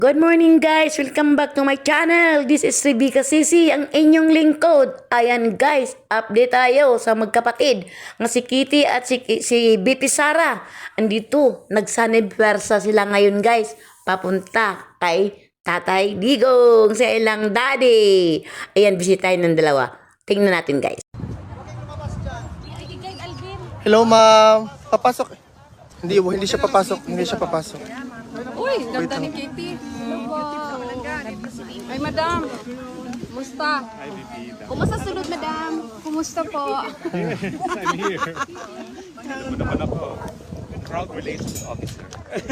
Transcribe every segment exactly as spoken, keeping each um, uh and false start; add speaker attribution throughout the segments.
Speaker 1: Good morning guys! Welcome back to my channel! This is Rebecca Sisi, ang inyong lingkod. Ayan guys, update tayo sa magkapatid ng si Kitty at si, si B P Sara. Andito, nagsanibwersa sila ngayon guys. Papunta kay Tatay Digong, sa ilang daddy. Ayan, bisitahin ng dalawa. Tingnan natin guys.
Speaker 2: Hello, ma'am. Papasok. Hindi, hindi siya papasok. Hindi siya papasok.
Speaker 3: Uy, ganda ni Kitty. Hello po. Ay, madam. Kumusta? Kumusta sulod, madam? Kumusta po?
Speaker 4: I'm here. Ano naman ako? Crowd Relations Officer.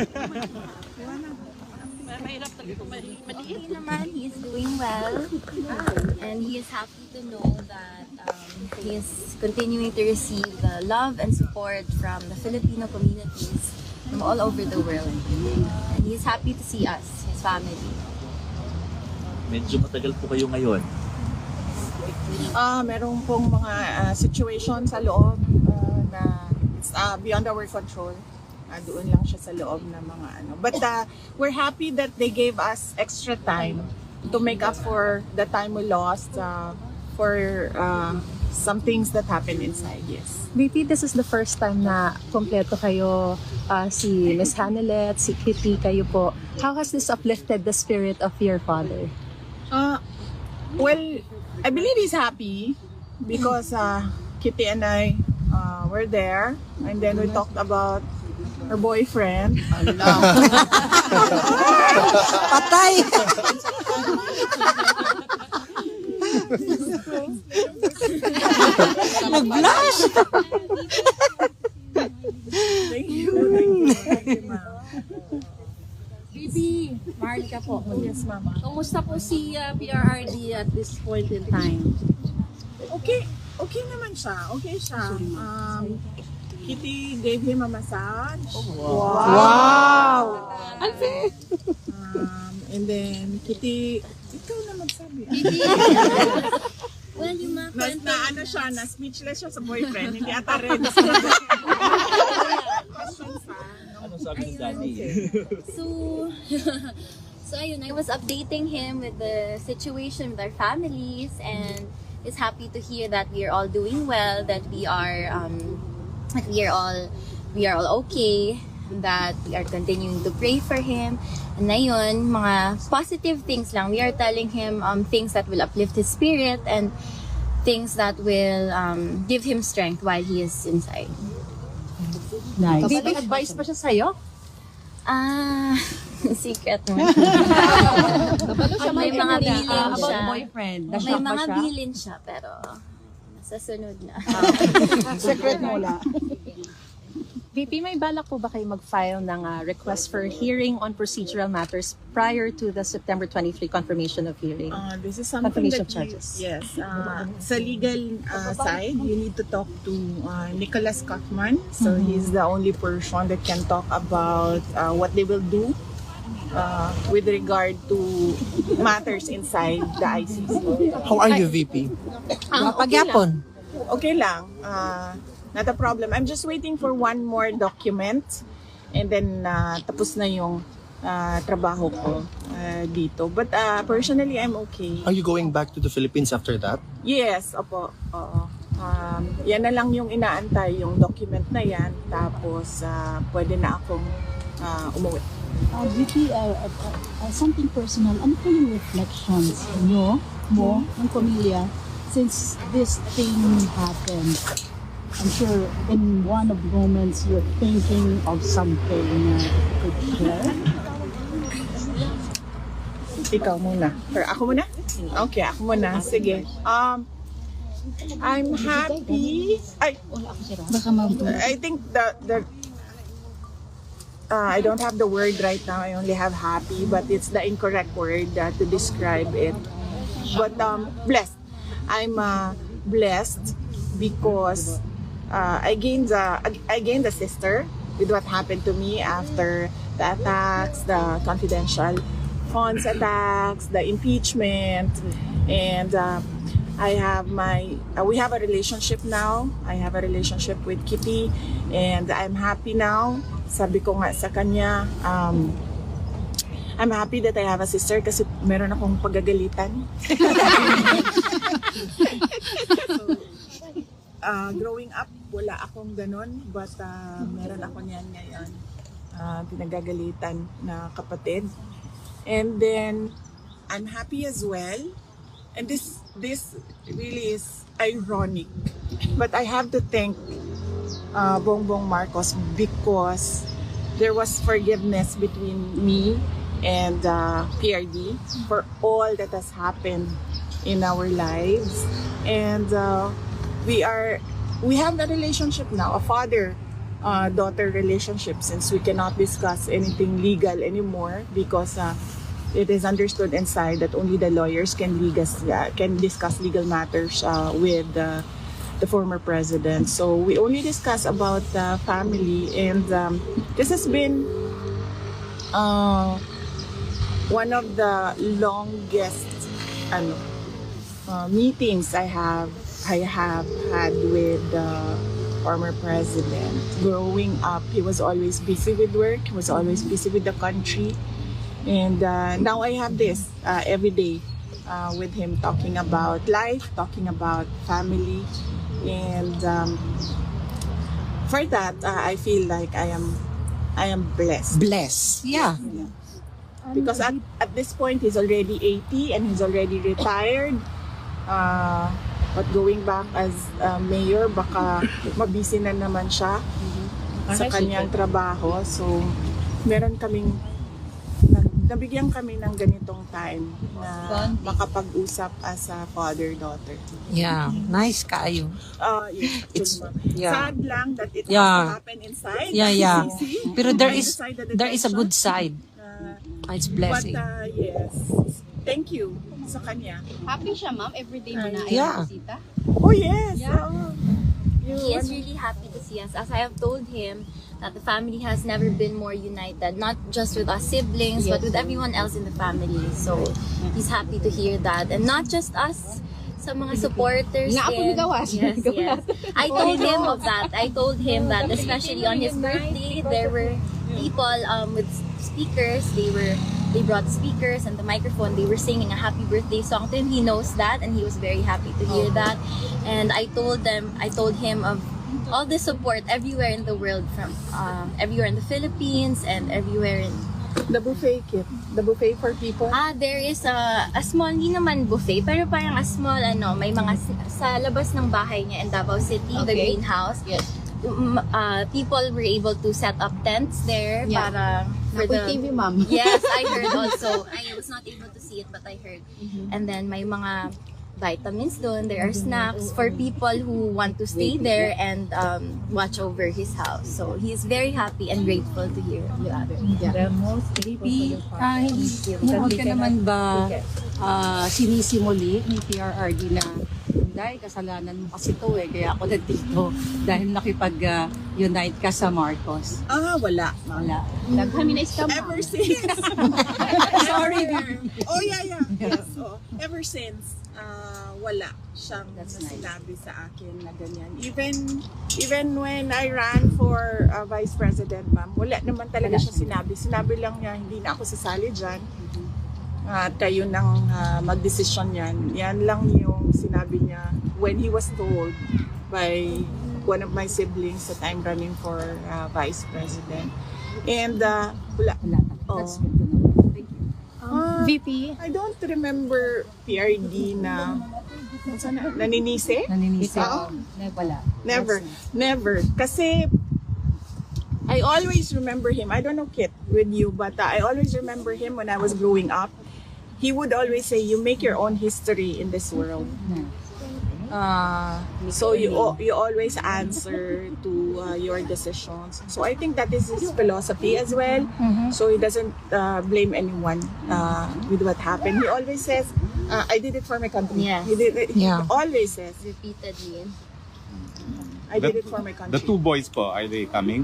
Speaker 5: He naman, he is doing well, and he is happy to know that um, he is continuing to receive the love and support from the Filipino communities from all over the world. And he is happy to see us, his family.
Speaker 6: Medyo matagal po kayo ngayon.
Speaker 7: Ah, merong pong mga ah, situation sa loob ah, na it's ah, beyond our control. Ah, doon lang siya sa loob ng mga ano. But ah, we're happy that they gave us extra time to make up for the time we lost ah, for ah, some things that happened inside. Yes.
Speaker 8: B P, this is the first time na kompleto kayo, uh, si Miss Hanelet, si Kitty, kayo po. How has this uplifted the spirit of your father?
Speaker 7: Uh, well, I believe he's happy because uh, Kitty and I uh, were there, and then we talked about her boyfriend.
Speaker 9: Patay! Nag-blush!
Speaker 7: Thank you. Thank you. Thank you, ma'am.
Speaker 3: Bibi, Marlika po.
Speaker 7: Yes, mama.
Speaker 3: Kumusta po si uh, P R R D at this point in time?
Speaker 7: Okay, okay naman siya. Okay siya. Um, Kitty gave him a massage.
Speaker 9: Wow!
Speaker 7: Um, and then Kitty, ikaw na magsabi.
Speaker 5: Well, yung mga
Speaker 7: Na, na ano siya, na speechless siya sa boyfriend. Hindi ata rin.
Speaker 6: Ano sabi ng daddy?
Speaker 5: So, so ayun, I was updating him with the situation with our families, and is happy to hear that we are all doing well, that we are um, that we are all we are all okay, that we are continuing to pray for him. And ayun, mga positive things lang. We are telling him um, things that will uplift his spirit and things that will um, give him strength while he is inside.
Speaker 8: Nice.
Speaker 3: May advice pa siya sa'yo?
Speaker 5: Ah, secret mo.
Speaker 3: siya
Speaker 5: May mga bilin
Speaker 9: about
Speaker 5: siya.
Speaker 9: boyfriend.
Speaker 5: May
Speaker 9: Na-shock ba
Speaker 5: mga
Speaker 9: siya?
Speaker 5: bilin siya, pero sa sunod na.
Speaker 9: Secret mo lang.
Speaker 8: B P, may balak po ba kayo mag-file ng uh, request for hearing on procedural matters prior to the September twenty-third confirmation of hearing?
Speaker 7: Uh, this is something
Speaker 8: Confirmation
Speaker 7: that
Speaker 8: of charges.
Speaker 7: You, yes. Uh, sa legal uh, side, you need to talk to uh, Nicholas Kaufman. So he's the only person that can talk about uh, what they will do uh, with regard to matters inside the I C C.
Speaker 2: How are you, V P?
Speaker 7: Ah,
Speaker 9: Pagyapon.
Speaker 7: Okay lang. Uh, not a problem. I'm just waiting for one more document, and then uh, tapos na yung uh, trabaho ko uh, dito. But uh, personally, I'm okay.
Speaker 2: Are you going back to the Philippines after that?
Speaker 7: Yes, opo. Oo. Um, yan na lang yung inaantay, yung document na yan. Tapos, uh, pwede na akong uh, umuwi.
Speaker 10: Uh, Vicky, uh, uh, uh, something personal. Ano po yung reflections nyo, mo, ng pamilya, since this thing happened? I'm sure in one of the moments you're thinking of something uh, you could share.
Speaker 7: Ikaw muna. Or ako muna? Okay, ako muna. Sige. Um, I'm happy. I,
Speaker 10: Baka ma-
Speaker 7: I think the, the uh, I don't have the word right now. I only have happy, but it's the incorrect word uh, to describe it. But um, blessed. I'm uh, blessed because uh, I gained a I gained a sister with what happened to me after the attacks, the confidential funds attacks, the impeachment, and uh, I have my uh, we have a relationship now. I have a relationship with Kitty, and I'm happy now. Sabi ko nga sa kanya, um, I'm happy that I have a sister kasi meron akong pagagalitan. So, uh, growing up, wala akong ganon, but uh, meron ako niyan ngayon. Uh, pinagagalitan na kapatid. And then, I'm happy as well. And this this really is ironic. But I have to thank uh, Bongbong Marcos because there was forgiveness between me and uh, P R D for all that has happened in our lives. And uh, we are, we have a relationship now, a father-daughter relationship, since we cannot discuss anything legal anymore because uh, it is understood inside that only the lawyers can, legal, uh, can discuss legal matters uh, with uh, the former president. So we only discuss about the family, and um, this has been uh, one of the longest ano, uh, meetings I have I have had with the former president. Growing up, he was always busy with work. He was always busy with the country, and uh, now I have this uh, every day uh, with him, talking about life, talking about family. And um, for that, uh, I feel like I am, I am blessed.
Speaker 9: Bless. Yeah.
Speaker 7: Yeah. Because at, at this point, he's already eighty and he's already retired. Uh, but going back as uh, mayor, baka mabisi na naman siya sa kanyang trabaho. So, meron kaming, nabigyan kami ng ganitong time na makapag-usap as a father-daughter.
Speaker 9: Yeah. Nice kaayo.
Speaker 7: Uh, yeah,
Speaker 9: It's-
Speaker 7: actually,
Speaker 9: yeah.
Speaker 7: sad lang that it
Speaker 9: Yeah.
Speaker 7: has to happen inside.
Speaker 9: Yeah, yeah.
Speaker 7: Easy.
Speaker 9: Pero there
Speaker 7: I
Speaker 9: is
Speaker 7: decided that
Speaker 9: there is a
Speaker 7: that's
Speaker 9: good
Speaker 7: not,
Speaker 9: side.
Speaker 7: uh,
Speaker 9: It's
Speaker 7: but
Speaker 9: blessing.
Speaker 7: uh, yes, thank you sa kanya.
Speaker 3: Happy siya, ma'am. Everyday mo na
Speaker 9: Yeah.
Speaker 3: ay bisita.
Speaker 7: Oh yes. Oh. You,
Speaker 5: He is
Speaker 7: ano,
Speaker 5: really happy to see us. As I have told him, that the family has never been more united, not just with us siblings, but with everyone else in the family. So he's happy to hear that. And not just us, sa mga supporters
Speaker 3: Nga ako
Speaker 5: din.
Speaker 3: nagawas.
Speaker 5: Yes, yes. I told him of that. I told him that especially on his birthday, there were people um, with speakers. They were they brought speakers and the microphone. They were singing a happy birthday song to him. He knows that, and he was very happy to hear that. And I told them, I told him of all the support everywhere in the world, from um, everywhere in the Philippines and everywhere in
Speaker 7: the buffet kit, the buffet for people.
Speaker 5: Ah, there is a, a small, hindi naman buffet, pero parang a small, ano, may mga s- sa labas ng bahay niya in Davao City, the
Speaker 3: Okay.
Speaker 5: greenhouse.
Speaker 3: Yes.
Speaker 5: Um, uh, people were able to set up tents there
Speaker 3: Yeah.
Speaker 5: para for
Speaker 3: Nakoy
Speaker 5: the
Speaker 3: T V, ma'am.
Speaker 5: Yes, I heard also. I was not able to see it, but I heard. And then may mga vitamins doon. There are snacks for people who want to stay there and um, watch over his house. So he's very happy and grateful to hear that.
Speaker 10: Baby, ah, hindi, hindi ka naman ba ah, sinisimuli ni P R R D na dahil kasalanan mo kasi to eh, kaya ako nandito dahil nakipag-unite ka sa Marcos.
Speaker 7: Ah, wala.
Speaker 10: Wala.
Speaker 3: Nag-harmonize ka, ma'am.
Speaker 7: Ever since.
Speaker 10: Sorry.
Speaker 7: Oh yeah, yeah. Yes. Oh, ever since, uh, wala siyang
Speaker 10: That's nice.
Speaker 7: sinabi sa akin na ganyan. Even even when I ran for uh, vice president, ma'am, wala naman talaga siya sinabi. Sinabi lang niya, hindi na ako sasali dyan. At kayo nang uh, magdesisyon yan. Yan lang yung sinabi niya when he was told by one of my siblings that I'm running for uh, vice president. And uh, wala.
Speaker 10: Wala.
Speaker 7: Oh.
Speaker 10: That's good to know. Thank you.
Speaker 7: Ah,
Speaker 3: V P,
Speaker 7: I don't remember P R D na sana, naninisi?
Speaker 10: Naninisi.
Speaker 7: Oo.
Speaker 10: Wala.
Speaker 7: Never.
Speaker 10: That's nice.
Speaker 7: Never. Kasi I always remember him. I don't know, Kit, with you, but uh, I always remember him when I was growing up. He would always say, you make your own history in this world. Uh, so you al- you always answer to uh, your decisions. So I think that is his philosophy as well. So he doesn't uh, blame anyone uh, with what happened. He always says, uh, "I did it for my country."
Speaker 5: Yes.
Speaker 7: He did it.
Speaker 9: Yeah.
Speaker 7: He always says,
Speaker 5: Repeatedly.
Speaker 7: "I did
Speaker 4: The-
Speaker 7: it for my
Speaker 4: The
Speaker 7: country."
Speaker 4: two boys po, are they coming?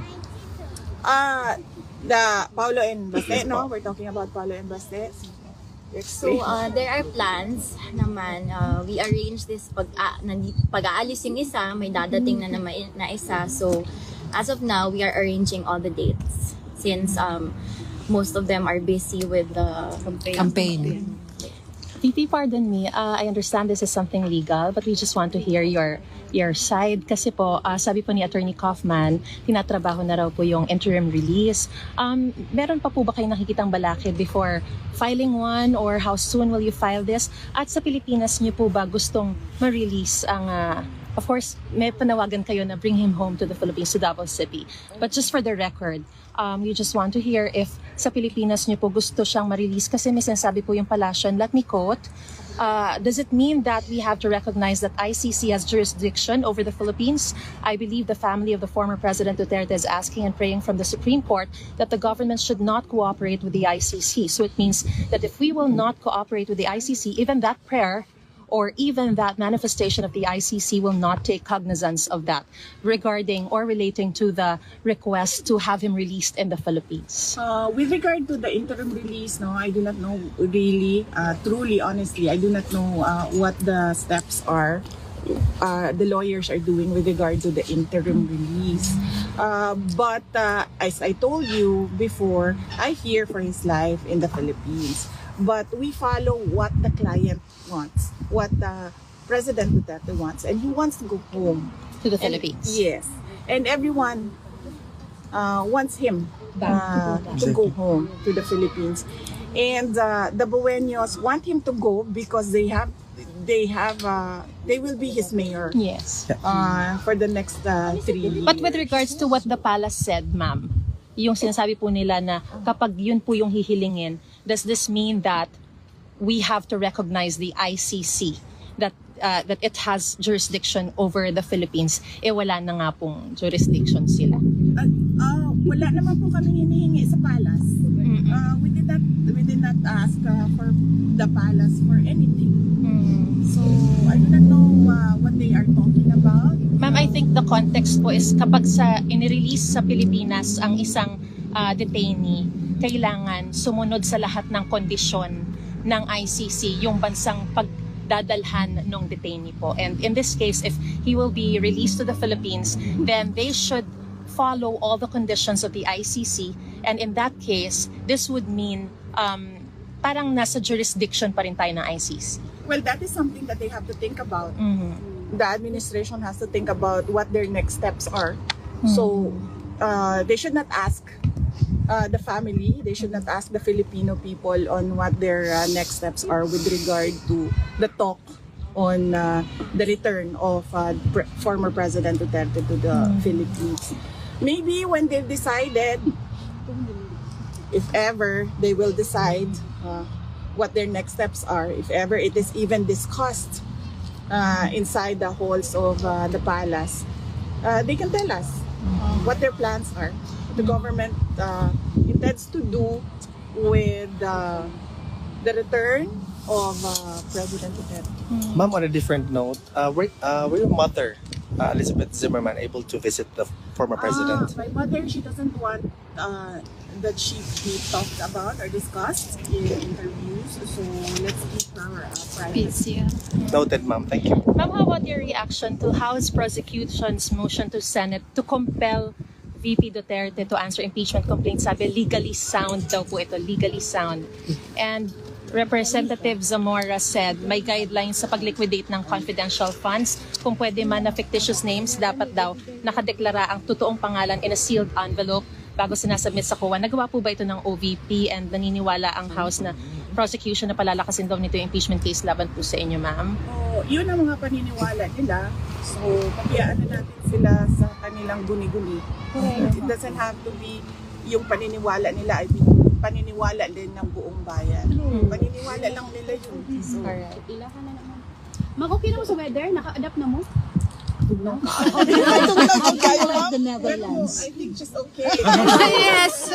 Speaker 7: Uh, the Paulo and Baste,
Speaker 4: Yes,
Speaker 7: no?
Speaker 4: po.
Speaker 7: We're talking about Paulo and Baste.
Speaker 5: So, uh, there are plans naman. Uh, we arrange this pag, uh, pag-aalis yung isa, may dadating na naman na isa. So, as of now, we are arranging all the dates. Since um, most of them are busy with the
Speaker 9: Campaign.
Speaker 8: V P, pardon me. Uh, I understand this is something legal, but we just want to hear your your side. Kasi po, uh, sabi po ni Attorney Kaufman, tinatrabaho na raw po yung interim release. Um, meron pa po ba kayong nakikitang balakid before filing one, or how soon will you file this? At sa Pilipinas niyo po ba gustong ma-release ang... Uh, of course, may panawagan kayo na bring him home to the Philippines, to Davao City. But just for the record, um, you just want to hear if sa Pilipinas niyo po gusto siyang ma-release, kasi may sinasabi po yung palasyon. Let me quote, uh, does it mean that we have to recognize that I C C has jurisdiction over the Philippines? I believe the family of the former President Duterte is asking and praying from the Supreme Court that the government should not cooperate with the I C C. So it means that if we will not cooperate with the I C C, even that prayer or even that manifestation of the I C C will not take cognizance of that regarding or relating to the request to have him released in the Philippines.
Speaker 7: Uh, with regard to the interim release, no, I do not know really, uh, truly, honestly, I do not know uh, what the steps are uh, the lawyers are doing with regard to the interim release. Uh, but uh, as I told you before, I fear for his life in the Philippines. But we follow what the client wants, what uh, President Duterte wants, and he wants to go home
Speaker 8: To the
Speaker 7: And-
Speaker 8: Philippines.
Speaker 7: Yes, and everyone uh, wants him uh, to go home to the Philippines, and uh, the Buenos want him to go because they have, they have, uh, they will be his mayor
Speaker 8: Yes.
Speaker 7: uh, for the next uh, three years.
Speaker 8: But with regards to what the palace said, ma'am, yung sinasabi po nila na kapag yun po yung hihilingin, does this mean that we have to recognize the I C C, that uh, that it has jurisdiction over the Philippines? Eh wala na nga pong jurisdiction sila.
Speaker 7: Uh, uh, wala naman po kami hinihingi sa palace. Uh, we did not we did not ask uh, for the palace for anything. So I do not know uh, what they are talking about.
Speaker 8: Ma'am, I think the context po is kapag sa inirelease sa Pilipinas ang isang uh, detainee, kailangan sumunod sa lahat ng kondisyon ng I C C yung bansang pagdadalhan ng detainee po. And in this case, if he will be released to the Philippines, then they should follow all the conditions of the I C C. And in that case, this would mean um, parang nasa jurisdiction pa rin tayo ng I C C.
Speaker 7: Well, that is something that they have to think about.
Speaker 8: Mhm.
Speaker 7: The administration has to think about what their next steps are. So uh, they should not ask uh, the family, they should not ask the Filipino people on what their uh, next steps are with regard to the talk on uh, the return of uh, pre- former President Duterte to the Philippines. Maybe when they've decided, if ever they will decide uh, what their next steps are, if ever it is even discussed uh, inside the halls of uh, the palace, uh, they can tell us uh, what their plans are. The government uh, intends to do with uh, the return of uh, President Duterte.
Speaker 2: Ma'am, on a different note, uh, were, uh, were your mother, uh, Elizabeth Zimmerman, able to visit the former president?
Speaker 7: Ah, my mother, she doesn't want uh, that she be talked about or discussed in interviews, so let's keep our uh, privacy.
Speaker 2: Noted, ma'am. Thank you.
Speaker 8: Ma'am, how about your reaction to House prosecution's motion to Senate to compel V P Duterte to answer impeachment complaints? Sabi, legally sound daw po ito, legally sound. And Representative Zamora said may guidelines sa pag-liquidate ng confidential funds. Kung pwede man na fictitious names, dapat daw nakadeklara ang totoong pangalan in a sealed envelope bago sinasubmit sa C O A. Nagawa po ba ito ng O V P, and naniniwala ang House na prosecution na palalakasin daw nito yung impeachment case laban po sa inyo, ma'am?
Speaker 7: So, yun ang mga paniniwala nila. So, pabayaan na natin sila sa kanilang guni-guni. It doesn't have to be yung paniniwala nila ay paniniwala din ng buong bayan. Paniniwala lang nila yun. So,
Speaker 8: Alright.
Speaker 3: Ila ka na naman. Mag, okay na mo sa weather? Naka-adapt na mo?
Speaker 7: tugnaw ka.
Speaker 10: Like the Netherlands.
Speaker 7: I think just okay.
Speaker 3: Yes!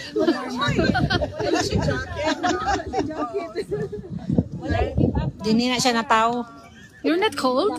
Speaker 7: Wala siya jacket. Wala siya jacket.
Speaker 9: Dini na siya na tao.
Speaker 3: You're not cold?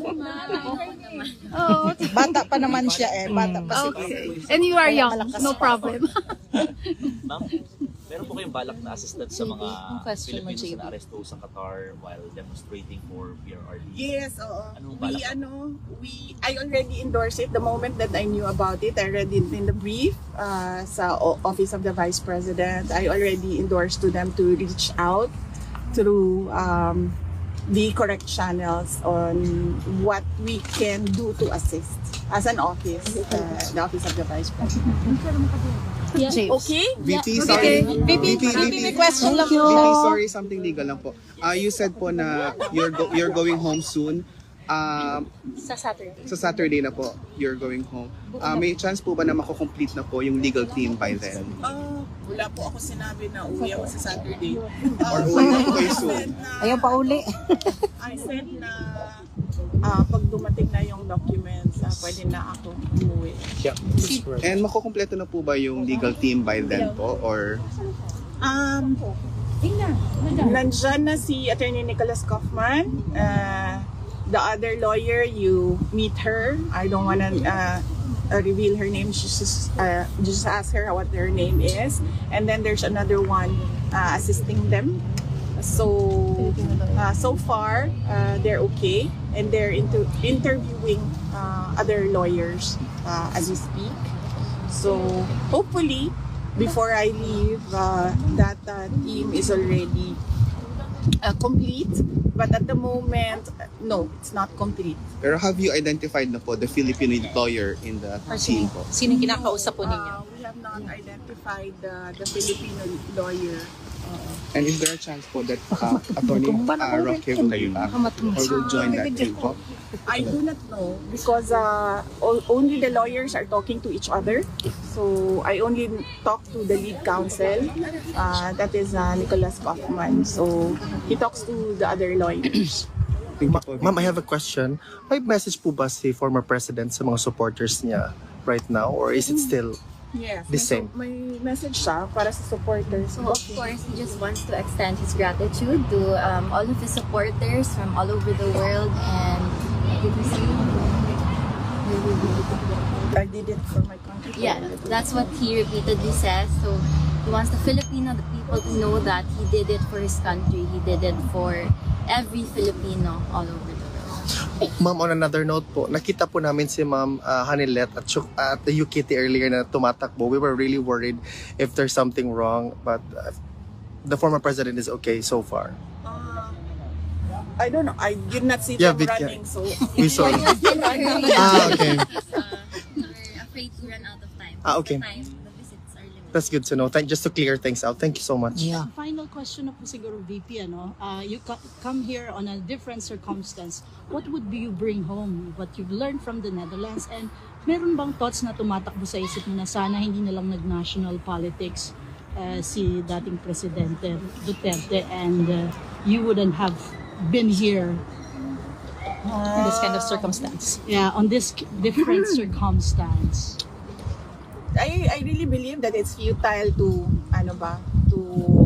Speaker 3: Oh,
Speaker 7: Bata pa naman siya eh. Bata pa si
Speaker 3: okay. And you are young, no problem.
Speaker 6: Ma'am, Meron po kayong balak na assistant sa mga
Speaker 9: Yung question mo,
Speaker 6: Filipinos
Speaker 9: J B.
Speaker 6: na aresto sa Qatar while demonstrating for P R R D?
Speaker 7: Yes, oo.
Speaker 6: Anong
Speaker 7: We,
Speaker 6: balak?
Speaker 7: ano, we, I already endorsed it the moment that I knew about it. I read it in the brief uh, sa o- Office of the Vice President. I already endorsed to them to reach out through um, the correct channels on what we can do to assist as an office, uh, the Office of the Vice President. Okay?
Speaker 11: V P,
Speaker 7: Okay.
Speaker 11: sorry.
Speaker 7: V P,
Speaker 11: V P,
Speaker 7: V P, may question lang
Speaker 11: V
Speaker 7: po.
Speaker 11: P, sorry, something legal lang po. Uh, you said po na you're go- you're going home soon. Um,
Speaker 8: Sa Saturday.
Speaker 11: sa Saturday na po, you're going home. Uh, may chance po ba na mako-complete na po yung legal team by then?
Speaker 7: Ah, wala po ako sinabi na uwi ako sa Saturday.
Speaker 11: Or
Speaker 7: Uh,
Speaker 11: uwi na po kayo soon?
Speaker 9: Ayaw pa uli.
Speaker 7: I said na ah, pag dumating na yung documents, ah, pwede na ako umuwi.
Speaker 2: Yeah, that's correct.
Speaker 11: And makukumpleto na po ba yung legal team by then po? Or
Speaker 7: Um, nandyan na si Attorney Nicholas Kaufman. Uh, the other lawyer, you meet her. I don't wanna uh, uh, reveal her name. Just, uh, just ask her what her name is. And then there's another one uh, assisting them. So, uh, so far, uh, they're okay. And they're into interviewing uh, other lawyers uh, as we speak. So, hopefully, before I leave, uh, that uh, team is already uh, complete. But at the moment, uh, no, it's not complete.
Speaker 11: pero have you identified na po the Filipino lawyer in the
Speaker 8: Or
Speaker 11: team
Speaker 8: sino,
Speaker 11: po?
Speaker 8: sino yung kinakausap po ninyo?
Speaker 7: Uh, we have not identified uh, the Filipino lawyer.
Speaker 11: And is there a chance po that uh, Attorney uh, Roque will be back or will join that team po?
Speaker 7: I do not know because uh, o- only the lawyers are talking to each other. So I only talk to the lead counsel, uh, that is uh, Nicholas Kaufman. So he talks to the other lawyers.
Speaker 2: Ma- Ma'am, I have a question. May message po ba si former president sa mga supporters niya right now? Or is it still
Speaker 7: Yes,
Speaker 2: the
Speaker 7: may,
Speaker 2: same?
Speaker 7: may message siya para sa supporters.
Speaker 5: So of course, he just wants to extend his gratitude to um, all of his supporters from all over the world. And did you see?
Speaker 7: I did it for my country.
Speaker 5: Yeah, that's what he repeatedly says. So he wants the Filipino, the people to know that he did it for his country. He did it for every Filipino all over the world.
Speaker 2: Ma'am, on another note po, nakita po namin si Ma'am uh, Hanilet at, Chuk- at the U K T earlier na tumatakbo. We were really worried if there's something wrong, but uh, the former president is okay so far.
Speaker 7: Uh, I don't know. I did not see
Speaker 2: Yeah,
Speaker 7: them
Speaker 2: Vic, yeah.
Speaker 7: running. So
Speaker 2: We saw it. Ah, okay.
Speaker 5: We're afraid to run out of time.
Speaker 2: Ah, okay.
Speaker 5: The time, the visits are limited.
Speaker 2: That's good to know. Thank, just to clear things out. Thank you so much.
Speaker 9: Yeah.
Speaker 10: Final question na po siguro, V P, ano? Uh, you co- come here on a different circumstance. What would you bring home? What you've learned from the Netherlands? And meron bang thoughts na tumatakbo sa isip mo na sana hindi na lang nag-national politics uh, si dating Presidente Duterte and uh, you wouldn't have been here
Speaker 8: In this kind of circumstance.
Speaker 10: yeah, on this k- different circumstance?
Speaker 7: I I really believe that it's futile to ano ba to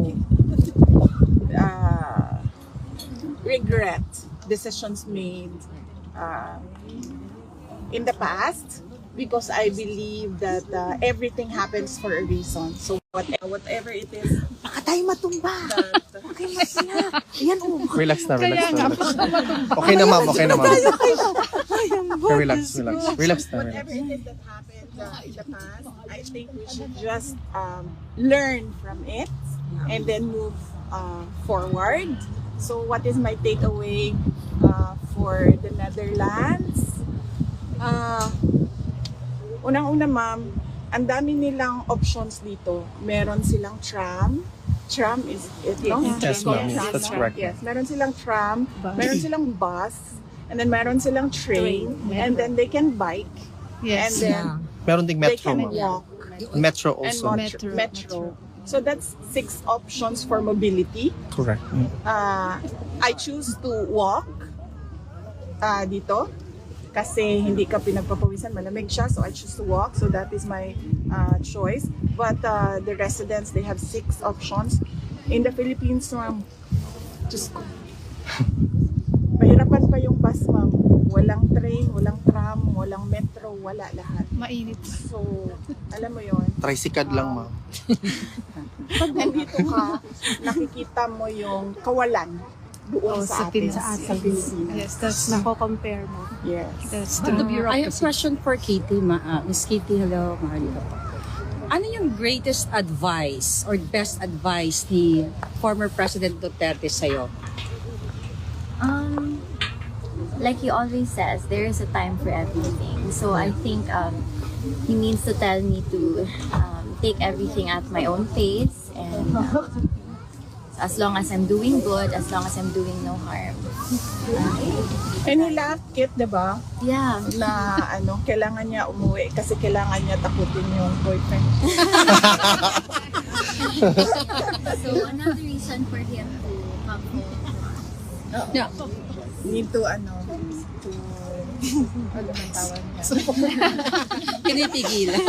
Speaker 7: uh, regret decisions made uh, in the past because I believe that uh, everything happens for a reason. So whatever, whatever it is
Speaker 9: Baka tayo matumba.
Speaker 7: that
Speaker 9: Okay, masaya. Ayan oh.
Speaker 2: Relax na, relax na. Relax. Okay na ma'am, okay na ma'am. Okay, relax, relax. Relax na, relax.
Speaker 7: whatever it is that happened uh, in the past, I think we should just um, learn from it and then move uh, forward. So what is my takeaway uh, for the Netherlands? Uh, unang-una ma'am, ang dami nilang options dito. Meron silang tram. Tram is it, no?
Speaker 2: Yes, ma'am. Yes,
Speaker 7: Tram,
Speaker 2: that's
Speaker 7: no?
Speaker 2: correct.
Speaker 7: Yes, meron silang tram, meron silang bus, and then meron silang train, and then they can bike, and then
Speaker 2: Meron ding
Speaker 7: they
Speaker 2: metro,
Speaker 7: can
Speaker 2: ma'am.
Speaker 7: walk,
Speaker 2: Metro
Speaker 7: and
Speaker 2: also.
Speaker 7: metro. metro. So that's six options for mobility.
Speaker 2: Correct.
Speaker 7: Uh, I choose to walk uh, dito kasi hindi ka pinagpapawisan, malamig siya, so I choose to walk. So that is my uh, choice. But uh, the residents, they have six options. In the Philippines, ma'am, just ko. Mahirapan pa yung bus, ma'am. walang train, walang tram, walang metro, wala lahat.
Speaker 3: Mainit.
Speaker 7: So, alam mo yon.
Speaker 2: Tricycad lang, ma'am.
Speaker 7: Pag nandito ka, nakikita mo yung kawalan doon
Speaker 3: Oh,
Speaker 7: sa,
Speaker 3: sa
Speaker 7: atin,
Speaker 3: Pin-
Speaker 7: sa atin. Pilipinas.
Speaker 3: Yes, that's nako-compare mo.
Speaker 7: Yes.
Speaker 3: That's
Speaker 9: The
Speaker 3: the
Speaker 9: I have a question for Katie. Ma uh, Miss Katie, hello. Mahalika po. Ano yung greatest advice or best advice ni former President Duterte sa'yo?
Speaker 5: Um, like he always says, there is a time for everything. So I think um, he means to tell me to um, take everything at my own pace, and um, as long as I'm doing good, as long as I'm doing no harm.
Speaker 7: And he laughed, Kit, diba?
Speaker 5: Yeah.
Speaker 7: Na ano, kailangan niya umuwi kasi kailangan niya takutin yung boyfriend.
Speaker 5: So another reason for him to come home.
Speaker 9: Yeah.
Speaker 7: Need to, ano, to, ano man tawag niya?
Speaker 9: Pinitigilan.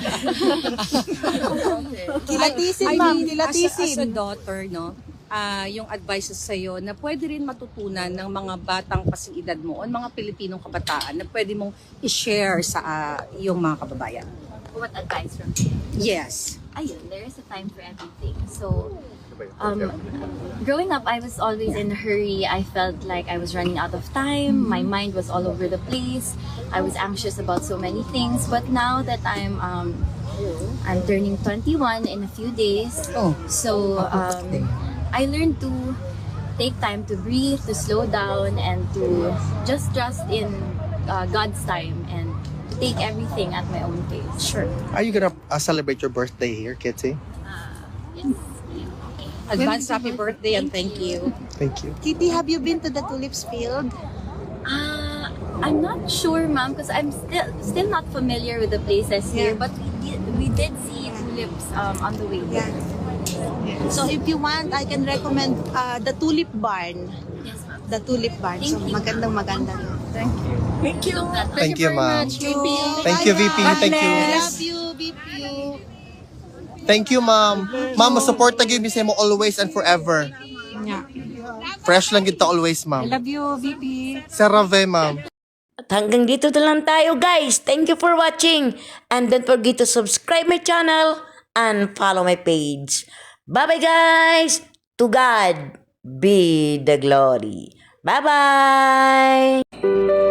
Speaker 7: Kilatisin,
Speaker 9: I
Speaker 7: ma'am,
Speaker 9: mean,
Speaker 7: kilatisin.
Speaker 9: As a, as a daughter, no, ah yung advices sa'yo na pwede rin matutunan ng mga batang kasing edad mo o mga Pilipinong kabataan na pwede mong i-share sa ah, iyong mga kababayan.
Speaker 5: What advice from him?
Speaker 9: Yes.
Speaker 5: Ayun, there is a time for everything. So, um, growing up, I was always in a hurry. I felt like I was running out of time. My mind was all over the place. I was anxious about so many things. But now that I'm um, I'm turning twenty-one in a few days,
Speaker 9: Oh.
Speaker 5: so um, I learned to take time to breathe, to slow down, and to just trust in uh, God's time and to take everything at my own pace.
Speaker 9: Sure.
Speaker 2: Are you gonna uh, celebrate your birthday here, Kitty?
Speaker 5: Yes.
Speaker 9: Advance happy birthday and thank you.
Speaker 2: Thank you.
Speaker 10: Kitty, have you been to the tulips field?
Speaker 5: Uh, I'm not sure, ma'am, because I'm still still not familiar with the places here.
Speaker 10: Yeah.
Speaker 5: But we did we did see tulips um, on the way
Speaker 10: Yeah.
Speaker 5: there.
Speaker 10: So if you want, I can recommend uh, the tulip barn.
Speaker 5: Yes, ma'am.
Speaker 10: The tulip barn. So
Speaker 5: Thank you.
Speaker 10: magandang maganda doon.
Speaker 7: Thank you.
Speaker 2: Thank you, ma'am.
Speaker 10: Thank you.
Speaker 2: Thank you, V P. Thank you.
Speaker 10: Love you, V P.
Speaker 2: Thank you, ma'am. Ma'am, support na gyud mi sa mo always and forever.
Speaker 10: Yeah.
Speaker 2: Fresh lang gid ta always,
Speaker 10: I
Speaker 2: ma'am.
Speaker 10: love you, V P.
Speaker 2: Serave, ma'am.
Speaker 1: At hanggang dito na lang tayo guys. Thank you for watching. And don't forget to subscribe my channel and follow my page. Bye-bye guys. To God be the glory. Bye-bye.